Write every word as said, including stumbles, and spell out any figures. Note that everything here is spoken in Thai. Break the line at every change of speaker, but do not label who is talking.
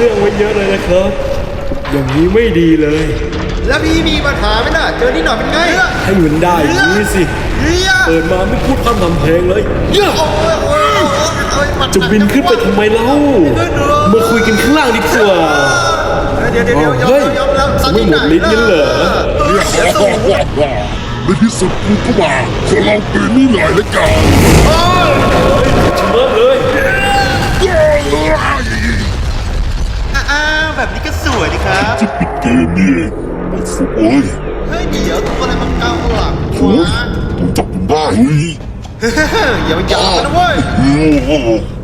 เรื่องไว้เยอะเลยนะครับอย่างนี้ไม่ดีเลย
แล้วพี่มีปัญหาไหมน่ะเจอนี่หน่อยเป็นไง
ให้มันได้อย่างนี้สิเปิดมาไม่พูดพร่ำทำเพลงเลยเยอะจะบินขึ้นไปทำไมเล่ามาคุยกันข้างล่างดีกว่า
เดี๋ยวเดี๋ยวเดี๋ยว
เฮ้ย
ยอมแล้ว
ไม่หมดลิ้นกันเหรอ
ในที่สุดกูก็มาขอลองปืนนี่หน่อยละกัน
ชนะเลย
อ้าวแบบนี้ก็สวยดีครับ
จะปิดเกมนี่โอ้โหโอ้ย
เฮ้ยเดี๋ยวตัวอะไรมันเกาหลัง
โอ้ยผมจับมันได้เฮ้ย
อย่าไปจับมันนะเว้ย
โอ้โห